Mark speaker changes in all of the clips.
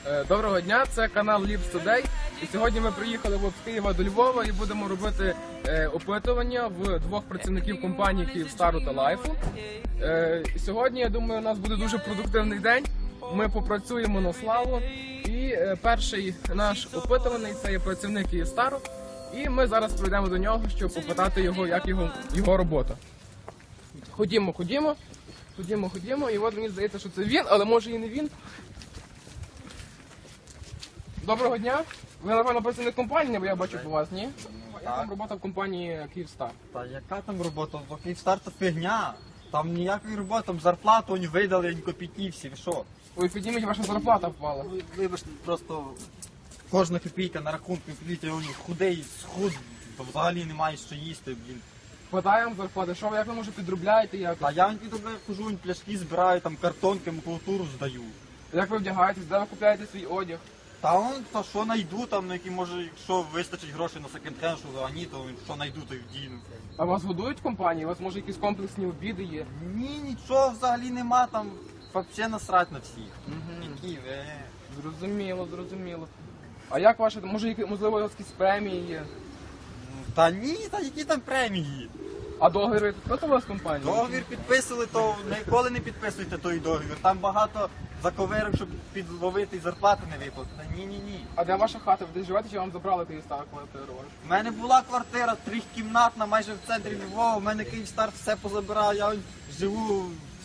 Speaker 1: Доброго дня, це канал Lips Today. І сьогодні ми приїхали з Києва до Львова і будемо робити опитування в двох працівників компанії Київстару та Лайфу. Сьогодні, я думаю, у нас буде дуже продуктивний день. Ми попрацюємо на славу. І перший наш опитуваний – це є працівник Київстару. І ми зараз прийдемо до нього, щоб попитати його, як його робота. Ходімо. І от мені здається, що це він, але може і не він. Доброго дня. Ви, напевно, працівник компанії, бо я бачу по вас, ні? Яка там робота в компанії Київстар?
Speaker 2: Та яка там робота? Бо Київстар то фігня. Там ніякої роботи, там зарплату вони видали, ні копійки всі, ви що?
Speaker 1: Ой, підніміть, ваша зарплата впала.
Speaker 2: Вибачте, просто кожна копійка на рахунку, подивіться, він худий, схуд, то взагалі немає що їсти, блін.
Speaker 1: Хватає вам зарплати? Що ви, як ви, може, підробляєте якось?
Speaker 2: А я хожу, він пляшки збираю, там картонки, макулатуру здаю.
Speaker 1: Як ви вдягаєтесь, де ви купляєте свій одяг?
Speaker 2: Та що найду, там, на які, може, якщо вистачить грошей на секонд-хенд, що а ні, то що найду, то й вдіну.
Speaker 1: А вас годують в компанії? У вас, може, якісь комплексні обіди є?
Speaker 2: Ні, нічого взагалі нема, там взагалі насрать на всіх. Які ви.
Speaker 1: Зрозуміло. А як ваше, може, можливо, якісь премії є?
Speaker 2: Та ні, та які там премії?
Speaker 1: А договори підписували з компанією?
Speaker 2: Договір підписували, то ніколи не підписуйте той договір. Там багато заковирок, щоб підловити і зарплати не виплатити. Ні.
Speaker 1: А де ваша хата? Ви десь живете, чи вам забрали Київстар квартиру?
Speaker 2: У мене була квартира трьохкімнатна, майже в центрі Львова. У мене Київстар все позабирав. Я живу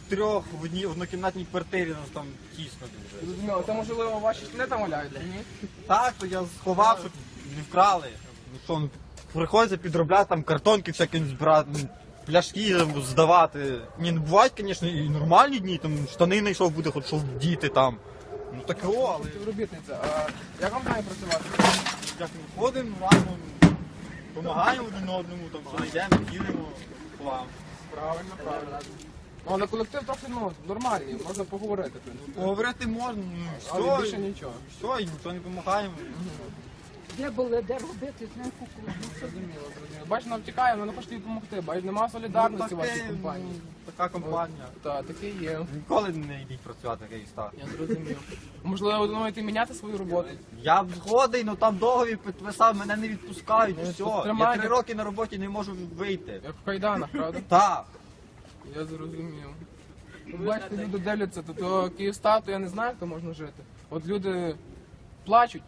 Speaker 2: в однокімнатній квартирі, нас там тісно дуже.
Speaker 1: Зрозуміло. Це, можливо, ваші штани там валяються, ні?
Speaker 2: Так, то я сховав, щоб не вкрали. Ну що, приходиться підробляти там картонки всякі збирати, пляшки здавати. Ні, бувають, звісно, і нормальні дні, там штани знайшов, буде хоч що вдіти там. Ну таке, але
Speaker 1: Співробітниця, а як вам має працювати?
Speaker 2: як ми ходимо, разом, допомагаємо один одному, там що знайдемо, ділимо план.
Speaker 1: Правильно. Ну, але колектив трохи, нормальний, можна поговорити, в принципі.
Speaker 2: Поговорити можна,
Speaker 1: Але більше нічого.
Speaker 2: Все, і ніхто не допомагає.
Speaker 3: Де були, де робити, знаєш,
Speaker 1: Зрозуміло. Бачиш, нам втікає, але не хочете їй допомогти. Бачиш, немає солідарності в вашій компанії.
Speaker 2: Така компанія.
Speaker 1: Так, таке є.
Speaker 2: Ніколи не йдіть працювати в Київстар.
Speaker 1: Я зрозумів. Можливо, ви думаєте міняти свою роботу?
Speaker 2: Я б згоден, але там договір підписав, мене не відпускають, і все. Я
Speaker 1: тримайте.
Speaker 2: 3 роки на роботі не можу вийти.
Speaker 1: Як в кайданах, правда?
Speaker 2: Так.
Speaker 1: Я зрозумів. Бачите, люди дивляться, то Київстар, то я не знаю, як то можна жити. От люди плачуть.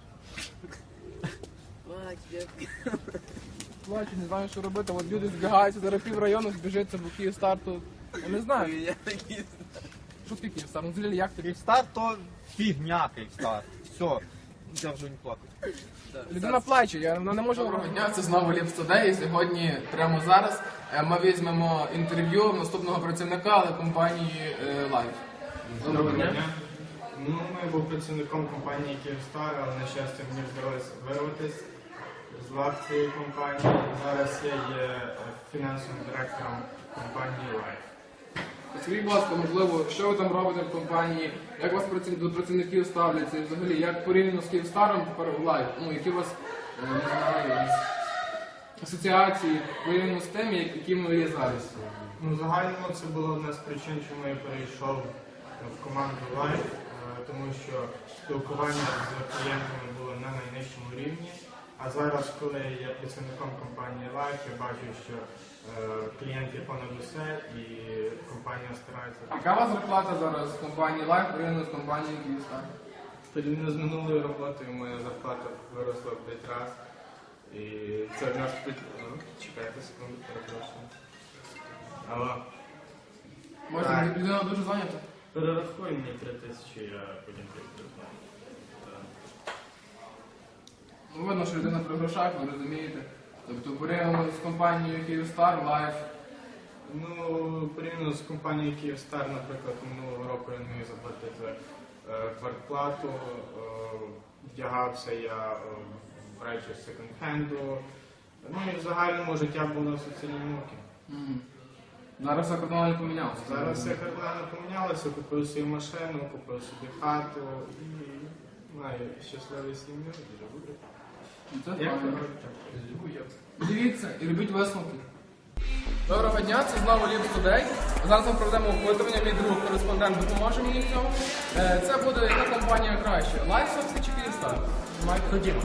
Speaker 1: Плачуть, не знаю, що робити. От люди збігаються, зараз піврайону збіжиться, бо Київстар, то я не знаю. Що таке Київстар? Ну, взагалі, як тобі?
Speaker 2: Київстар то фігня Київстар. Все. Я вже не плакаю.
Speaker 1: Людина плаче, вона не може доброго дня. Це знову Lips Today. І сьогодні, прямо зараз, ми візьмемо інтерв'ю наступного працівника, але компанії Life.
Speaker 4: Доброго дня. Я був працівником компанії Київстар, але, на щастя, мені вдалося вирватися з лав цієї компанії. Зараз я є фінансовим директором компанії Life.
Speaker 1: Скажіть, будь ласка, можливо, що ви там робите в компанії, як вас до працівників ставляться і взагалі, як порівняно з Київстаром тепер Life? Ну, які у вас, не знаю, асоціації порівняно з тим, якими ви є зараз?
Speaker 4: В загальному це була одна з причин, чому я перейшов в команду Life, тому що спілкування з клієнтами було на найнижчому рівні. А зараз, коли я працівником компанії Life, я бачу, що клієнт є понад усе і компанія старається.
Speaker 1: Яка у вас зарплата зараз в компанії Life порівняно з компанією Київстар?
Speaker 4: Порівняно з минулою роботою моя зарплата виросла в 5 разів. І це в нас чекайте секунду, перепрошую. Алло.
Speaker 1: Може, людина дуже зайнята?
Speaker 4: Перерахуй мені 3000, я потім прийду.
Speaker 1: Ну, видно, що людина при грошах, ви розумієте. Тобто порівняно з компанією Київстар, Life.
Speaker 4: Порівняно з компанією Київстар, наприклад, минулого року я не міг заплатити квартплату, вдягався я в речі з секонд-хенду. І в загальному життя було соціальні муки.
Speaker 1: Зараз все кардинально помінялося.
Speaker 4: Зараз все кардинально помінялося, купив собі машину, купив собі хату і маю щасливий сім'ю, дуже буду.
Speaker 1: Це правильно. Дивіться і робіть висновки. Доброго дня, це знову Lips Today. Зараз ми проведемо опитування, мій друг кореспондент допоможе мені в цьому. Це буде яка компанія краще? Lifesoft чи Kyivstar?
Speaker 5: Ходімо.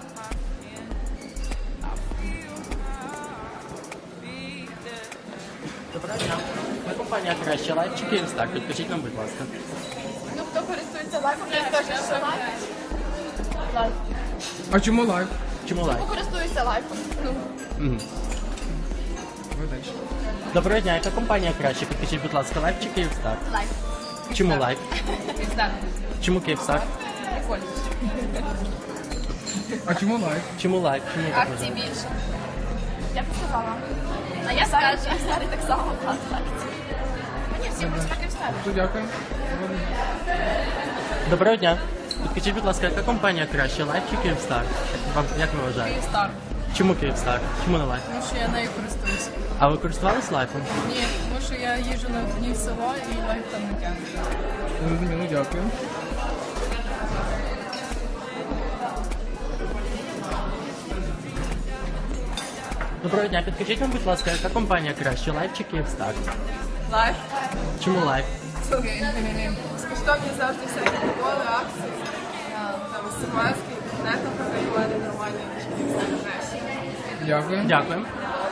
Speaker 5: Доброго дня. Ми компанія краще лайф чи Kyivstar? Підкажіть нам, будь ласка.
Speaker 6: Ну, хто користується лайфом, я скажу, що лайф. Лайф.
Speaker 1: А чому лайф?
Speaker 5: Чому лайф?
Speaker 6: Хто користується лайфом? Ну,
Speaker 1: Видач.
Speaker 5: Доброго дня, яка компанія краще? Підкажіть, будь ласка, лайф чи Kyivstar?
Speaker 6: лайф.
Speaker 5: Чому лайф?
Speaker 6: Пізда.
Speaker 5: Чому Kyivstar?
Speaker 6: Прикольно.
Speaker 1: А чому лайф?
Speaker 5: Чому лайф? Чому так
Speaker 6: Акцій
Speaker 5: вважаєте?
Speaker 6: більше. Я б сказала. А я скажу, що старий так само багато акцій. Мені всі будуть так і вставити.
Speaker 1: Дуже дякую.
Speaker 5: Доброго дня. Підкажіть, будь ласка, яка компанія краще, лайф чи Kyivstar? Як ви вважаєте?
Speaker 6: Київстар.
Speaker 5: Чому Kyivstar? Чому не лайф?
Speaker 6: Тому що я нею користуюся.
Speaker 5: А ви користувались лайфом?
Speaker 6: Ні, тому що я їжджу на дні в село і лайф там не тягне.
Speaker 1: Зрозуміло, дякую.
Speaker 5: Доброго дня, підкажіть нам, будь ласка, яка компанія краще, лайф чи Kyivstar?
Speaker 6: Лайф.
Speaker 5: Чому лайф?
Speaker 6: Безкоштовні завжди всякі приколи, акції. Там смс-ки, інтернетом програмування нормальні.
Speaker 1: Дякую.
Speaker 5: Дякую.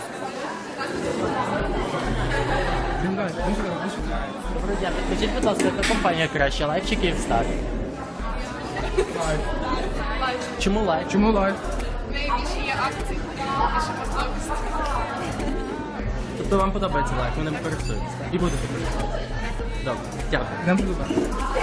Speaker 1: Йдемо далі. Йдемо сюди, йдемо сюди.
Speaker 5: Доброго дня, підкажіть, будь ласка, яка компанія краще, лайф чи Kyivstar?
Speaker 1: Лайф.
Speaker 5: Чому лайф?
Speaker 1: Чому лайф?
Speaker 6: Найбільше є акції, більше можливості.
Speaker 5: Тобто вам подобається лайф, ви ним користуєтесь і будете користуватися? Добре, дякую.
Speaker 1: Йдемо сюди.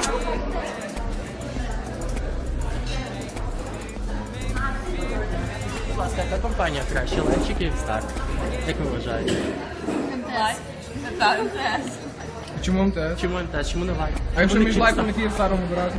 Speaker 5: Будь ласка, яка компанія краще, лайф чи Kyivstar? Як ви вважаєте?
Speaker 6: Лайф. Так, МТС.
Speaker 1: А чому МТС?
Speaker 5: Чому МТС, чому не лайф?
Speaker 1: А якщо
Speaker 5: Чому
Speaker 1: між
Speaker 5: не
Speaker 1: лайфом і
Speaker 5: Kyivstar?
Speaker 1: Kyivstarом обирати?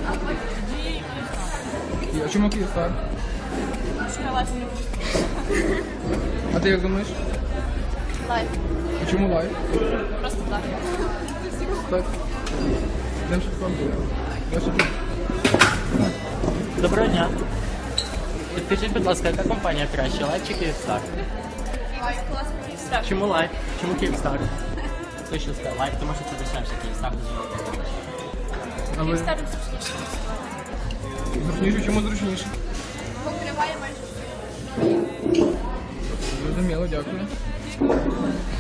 Speaker 1: А чому Kyivstar?
Speaker 6: Що я лайф не користуюся.
Speaker 1: А ти як думаєш?
Speaker 6: Лайф.
Speaker 1: А чому лайф?
Speaker 6: Просто так.
Speaker 1: Так. Йдемо сюди. Я ще тут.
Speaker 5: Доброго дня. Підкажіть, будь ласка, яка компанія краще, лайф чи Kyivstar?
Speaker 6: Лайф класно. Київстар.
Speaker 5: Чому лайф? Чому Kyivstar? Точно сказав, лайф, тому що це дешевше, Kyivstar дуже великий.
Speaker 1: А ви?
Speaker 6: Київстар зручніше.
Speaker 1: Зручніше? Чому зручніше?
Speaker 6: Покриває майже все.
Speaker 1: Зрозуміло, дякую.